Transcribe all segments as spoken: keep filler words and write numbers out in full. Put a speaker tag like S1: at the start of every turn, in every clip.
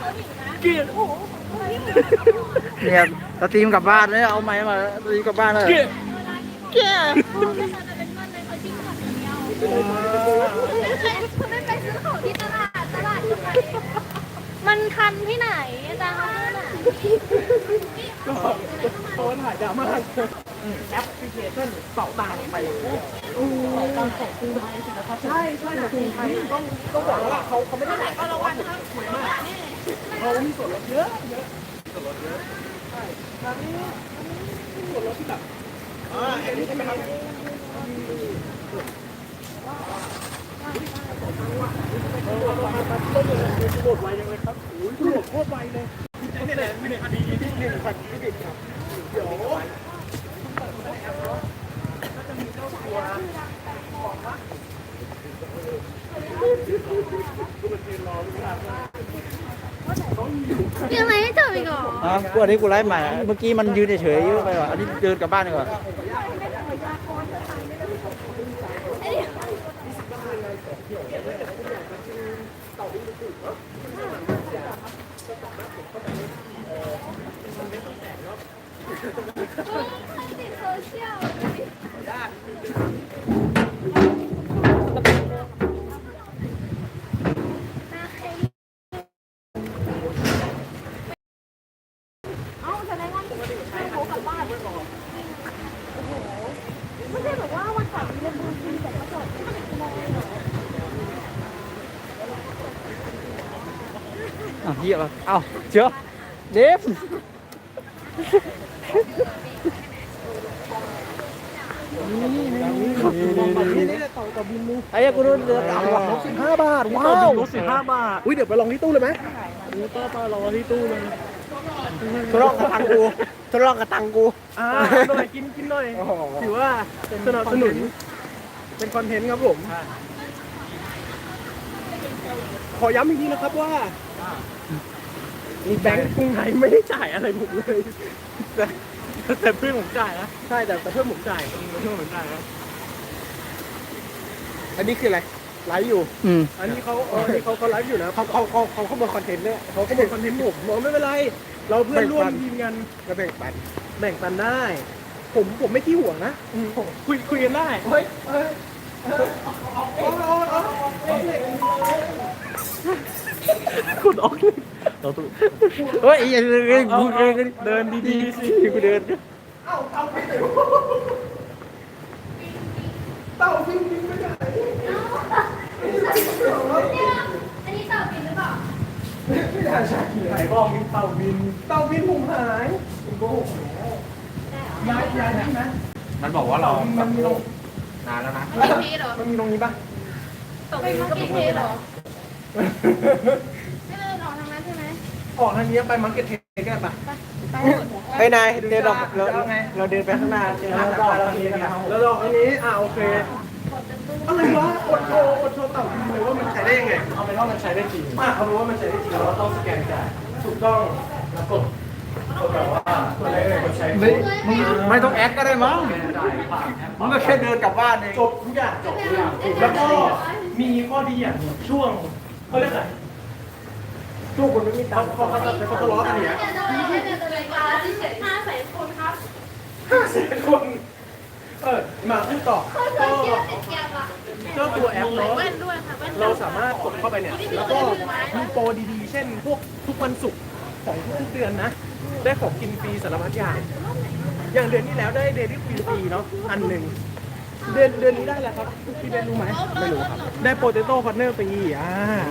S1: เกลียดโอ้โห
S2: เนี่ยสตรีมกลับบ้านเลยเอาไม้มาสตรีมกลับบ้านเลย
S1: เกลียด
S2: เกลียด
S3: คุณไม่ไปซื้อของที่ตลาดตลาดจะไปมันคันที่ไหนอาจารย์เขาพูดอ่ะ
S1: ก็โดนถ่ายดราม่าแอปพลิเคชันเป่าตังไปเป่าตังของกรุงไทยสินะครับใช่ใช่ของกรุงไทยต้องต้องบอกว่าเขาเขาไม่ได้แต่ก็ระวังนะสวยมากเขามีส่วนลดเยอะเยอะส่วนลดเยอะใช่ครั้งนี้ส่วนลดที่แบบอ่าเห็นใช่ไหมครับโหลดไวยังเลยครับโอ้ยโหลดโคตรไวเลยนี่แหละวินาทีที่หนึ่งพันที่ติดครับเดี๋ยวก็จะมีเจ้าตัวของว่าคุณเป็นทีมรอลูกค้าต้องอยู่
S3: ยังไงให้จบอีกเหรอ
S2: อ่ะกูอันนี้กูไลฟ์ใหม่เมื่อกี้มันยืนเฉยๆเยอะไปว่ะอันนี้เดินกลับบ้านดีกว่า
S3: ติดโซเชียลเอ้าแสดงว่าให้เขากลับบ้านโอ้โหไม่ใช่แบบว่าวันก่อนมีเรื่องบุญจริงแต่ก็จบไม่ได้มองเลยเหรอ
S2: อ้าวเหี้ยป่ะเอ้าเจ้าเดฟไอ้ยังกูรู้เรือต่ำกว่า
S1: ลดสิบห้าบาทว้าวลดสิบห้าบาทอุ้ยเดี๋ยวไปลองที่ตู้เลยไหมอู้ป้าป้ารอที่ตู้เลย
S2: ทดลองกระตังกูทดลองกระตังกู
S1: อ่าหน่อยกินกินหน่อยถือว่าสนับสนุนเป็นคอนเทนต์ครับผมขอย้ำอีกทีนะครับว่าแบงก์กรุงไทยไม่ได้จ่ายอะไรผมเลยแต่แต่เพื่อนผมจ่ายนะใช่แต่แต่เพื่อนผมจ่ายเพื่อนผมจ่ายนะอันนี้คืออะไรไลฟ์อยู่
S2: อืม
S1: อันนี้เขาเออนี่เขาเขาไลฟ์อยู่นะเขาเขาเขาเขาเขาบอกคอนเทนต์เนี่ยเขาเขาบอกคอนเทนต์ผมบอกไม่เป็นไร เราเพื่อนร่วมทีมกันก็แบ่งปันแบ่งปันได้ ผมผมไม่ขี้ห่วงนะผมคุยคุยกันได้เฮ้ยเฮ้ยคุณออกเราตู้
S2: เฮ้ยอย่าเดินเดิน
S1: เดินดีๆสิ
S2: กูเดิน
S1: เอ้าเต้าไปไหนเต้าวิ่งวิ่งไม่ได้
S3: อันนี้ต่อบินหรือเปล่า
S1: ไม่ได้ใช่ไหนบอกมีเต่าบินเต่าบินผมหายคุณโก้ย้ายย้ายได้ไหม
S4: มันบอกว่าเรา
S1: มันมีตรง
S4: นานแล้วนะ
S3: ไม่มีเหรอ
S1: มันมีตรงนี้ป่ะ
S3: ตกบินก็มีเทเหรอไม่เลยออกทางนั้นใช่ไหม
S1: ออกทางนี้ไปมาร์เก็ตเทสกันป่ะ
S3: ไปหมด
S2: ไอ้นายเดินออกเราเราเดินไปข้างหน้าเจอแล้วก็เราเดินกัน
S1: แล้วดอกอันนี้อ่าโอเคอะไรวะกดโชว์กดโชว์เต่าบินเลยว่ามันใช้ได้ยังไงเอาเป็นว่ามันใช้ได้จริงอ่ะเอาเป็นว่ามันใช้ได้จริงเราต้องสแกนจ่ายถูกต้องแล้วกดกดแบบว่ากดอะไรเลยกดใช้
S2: ไม่ไม่ต้องแอดก็ได้มั้งมึงก็แค่เดินกลับบ้านเอง
S1: จบทุกอย่างจบทุกอย่างแล้วก็มีข้อดีอย่างช่วงเขาเรียกอะไรช่วงคนไม่มีตังค์เขาเขาจะเขาทะเลาะกันเนี่ย
S3: ห้าแสนคนครับ
S1: ห้าแสนคนเออมาพูดต่อ
S3: คน
S1: ก็
S3: เยอะติดแกมอ่ะ
S1: เจ้าตัวแอปเนาะ
S3: แว่นด้วยค่ะแว่น
S1: เราสามารถกดเข้าไปเนี่ยแล้วก็มีโปรดีๆ เช่นพวกทุกวันศุกร์ของทุกเดือนนะ ได้ของกินฟรีสารพัดอย่าง อย่างเดือนที่แล้วได้เดลี่ควีนฟรีเนาะอันหนึ่งเดือนเดือนนี้ได้แล้วครับพี่เบนรู้ไหมไม่รู้ครับได้โปเตโต้คอนเนอร์ฟรีอ่า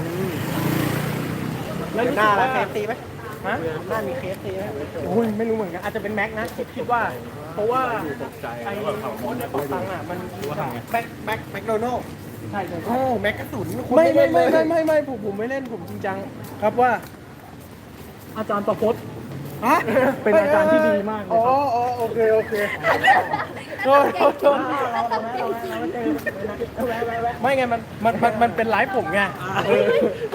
S1: แล้วรู้สึกว่าฮะ
S2: หน้ามีเคสตีไหม
S1: โอ้ยไม่รู้เหมือนกันอาจจะเป็นแม็กนะคิดคิดว่า เพราะว่าไอ้โค้ดในปอกตังค์อ่ะมันแบ็คแบ็คแม็กโดนัลใช่ใช่โอ้แม็กกระสุนไม่ไม่ไม่ไม่ไม่ไม่ผมผมไม่เล่นผมจริงจังครับว่า อาจารย์ประพจน์ฮะเป็นอาจารย์ที่ดีมากเลยครับอ๋ออ๋อโอเคโอเคโทษโทษโทษไม่ไงมันมันมันมันเป็นไลฟ์ผมไงเออ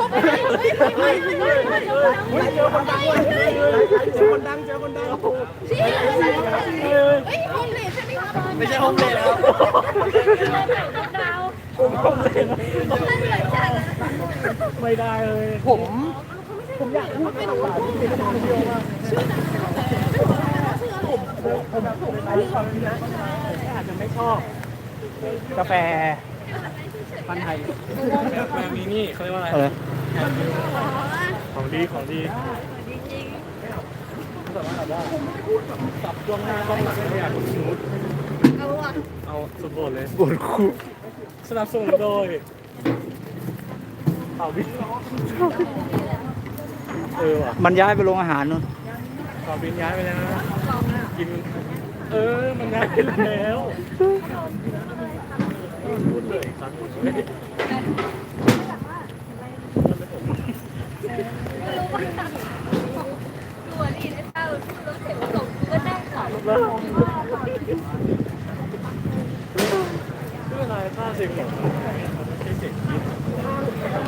S1: เจอคนดังเจอคนดังเจอคนดัง
S3: เฮ้ยโฮมเลดใช่ไหมครับ
S2: ไม่ใช่ห้องเลยแล้ว
S3: ดาว
S1: ผมผมเลย
S3: ผมเล่นเหมือนกัน
S1: ไม่ได้เลยผมผมอยากพูดภาษาที่เป็นคนเดียวมาก
S3: ชื่อหนังไม่บอกแล้วว่าชื่ออะไร
S1: ผมผมผมไปฟังนะอาจจะไม่ชอบกาแฟพันธุ์ไทย
S4: แบบนี้นี่เขาเรียกว่าอะไร
S2: อะไร
S4: ของดีของดี
S1: สับช่วงหน้าต้องหลังไม่อยากสมูท
S3: เอาอ่ะ
S4: เอาสุดโบดเลย
S2: ปวดคู่
S4: สนับสนุนโดยเอาบินเออว่ะ
S2: มันย้ายไปโรงอาหารนู่น
S4: เอาบินย้ายไปแล้วนะกินเออมันย้ายไปแล้วพูดเลยครั้งหนึ่งเลย
S3: ตัวนี่ไอ้เต้าตัวเสร็จส่งก็นั่งขอ
S4: ชื่ออะไรค่าสิบหรอไม่ใช่เสียงคิด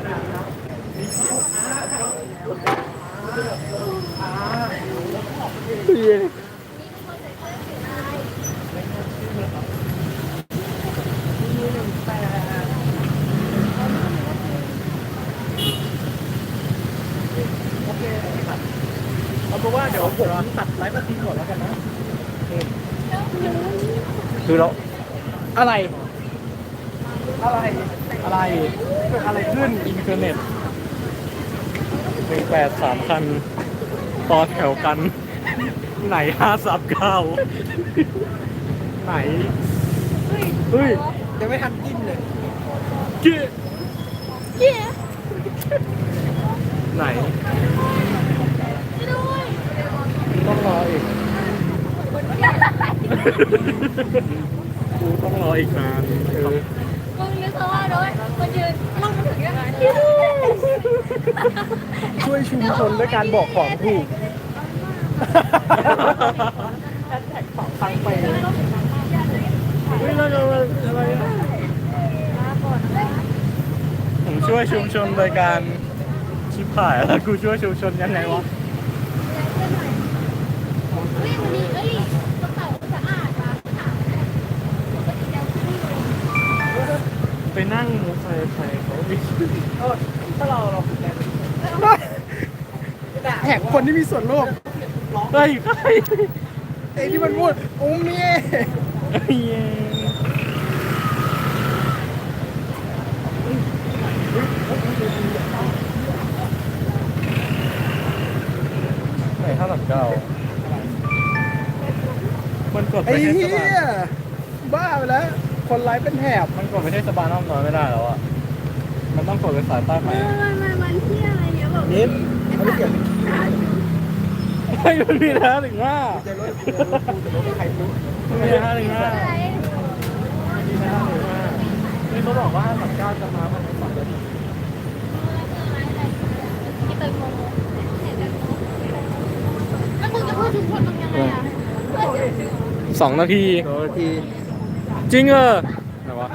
S1: เอาเป็นว่าเดี๋ยวผมตัดไลฟ์มาทิ้งก่อนแล้วกันนะ
S2: คือเรา
S1: อะไร อะไร อะไรเกิดอะไรขึ้น
S4: อินเทอร์เน็ตหนึ่งแปดสามคันต่อแถวกัน ไหนห้าสับเก้าไหนเฮ้ย
S1: ยังไม่ทันจิ้มเลย
S4: เกี้ย
S3: เย้
S4: ไหน
S3: ด้วย
S4: ต้องรออีกกูต้องรออีกนานเออ
S3: มึงนึกซะว่าด้วยมันยืนลงมาถึงยังไง
S1: ช่วยชุมชนด้วยการบอกของถูกแฮชแท็กสองครั้งไปเลย
S4: เฮ้ยแล้วเราอะไรอะผมช่วยชุมชนโดยการชิบหายแล้วกูช่วยชุมชนยังไงวะ
S3: เฮ้ยวันนี้เอ้ยกระเป๋าสะอาดมาถาม
S4: ไปนั่งมอเตอร์ไซค์เขาดิ
S1: เออถ้าเราเราแหกคนที่มีส่วนร่วม
S4: เฮ้ยใคร
S1: ไอ้ที่มันพูดอุ้มเนี่ย
S4: เฮ้ยไหนห้าสิบเก้ามันกดไป
S1: ไอ้
S4: เทศ
S1: เหี้
S4: บาล
S1: ยบ้าไปแล้ว คนไลฟ์เป็นแถบ
S4: มันกดไปเทศบาลน้อมน้อยไม่ได้แล้วอ่ะ มันต้องกดไปสายใต้ไหม
S3: มันมันมันที่อะไรเงี้ยแบบ
S1: นิดไม่เกี่ยว
S4: ไม่มันมีนะถึงว่า
S1: จะรถจะรถใครรู้
S4: มีนะถึงว่า
S3: อะไร
S4: มีนะถึงว่านี่เขาบอกว่าห้าสิบเก้าจะมาภายในสองนาที
S3: ที่เป็นโมแล้วมึงจะพูดถึงคนมึงยังไงอ่ะ
S4: สองนาที
S2: โดยที่
S4: จริงเออไหนวะ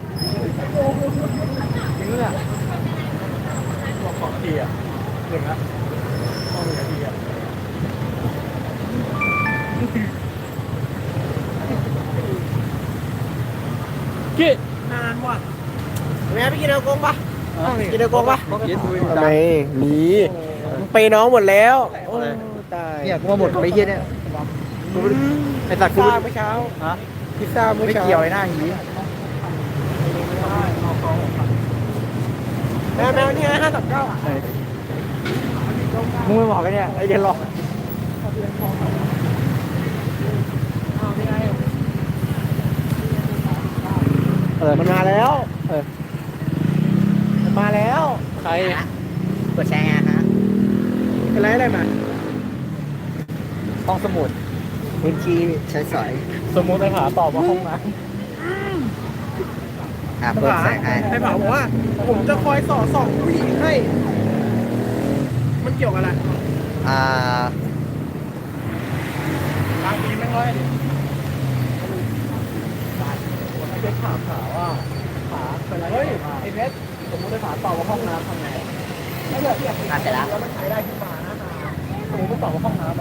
S1: จริงเลย
S4: บอกสองนาทีอ่ะหนึ่งละต้องหนึ่งนาทีอ่ะ กี้
S1: นานว่ะแม่ไปกินเอลกงปะกินเอลกงปะ
S2: เย็ดด้วย
S1: ทำไมมีไปน้องหมดแล้วโอ้ตาย
S2: เนี่ยกูมาหมดไปเฮียเนี่ยกูไอ้สัตว์กู
S1: พิซซ่าเมื่อเช้า
S2: ฮะ
S1: พิซซ่าเมื่อ
S2: ไม่
S1: เช้า
S2: เกี่ยวไอ้หน้าหี
S1: แม่แม่นี่ห้าสิบเก้า
S2: เออมึงไม่บอกกันเนี่ยไอ้เดี๋ยวหลอกเออ
S1: มันมาแล้ว
S2: เออ
S1: มันมาแล้ว
S4: ใคร
S2: กดแชร์ไงฮะ
S1: อะไรอะไรมา
S2: ห้องสมุดพื้นที่ใช้สอย
S4: สมมุติไอ้ผาตอบว่าห้องน้
S2: อ่ะเปิดแสงให้
S1: ไอ้ผาบอกว่า ผมจะคอยสอดส่องผู้หญิงให้ มันเกี่ยวกับอะไร
S2: อ่า
S1: บางทีไม่ค่อย
S4: ำเด็กถามผาว่าผาเป็นอะไร
S1: เฮ้ยไอ้เพชรสมมติไอ้ผาตอบว่าห้องน้ำทำไงถ้าเกิดเทียบ
S2: อ่ะเสร็จแล้ว
S1: แล้วมันใช้ได้ขึ้นมานะ
S4: สมมติตอบว่าห้องน้ำ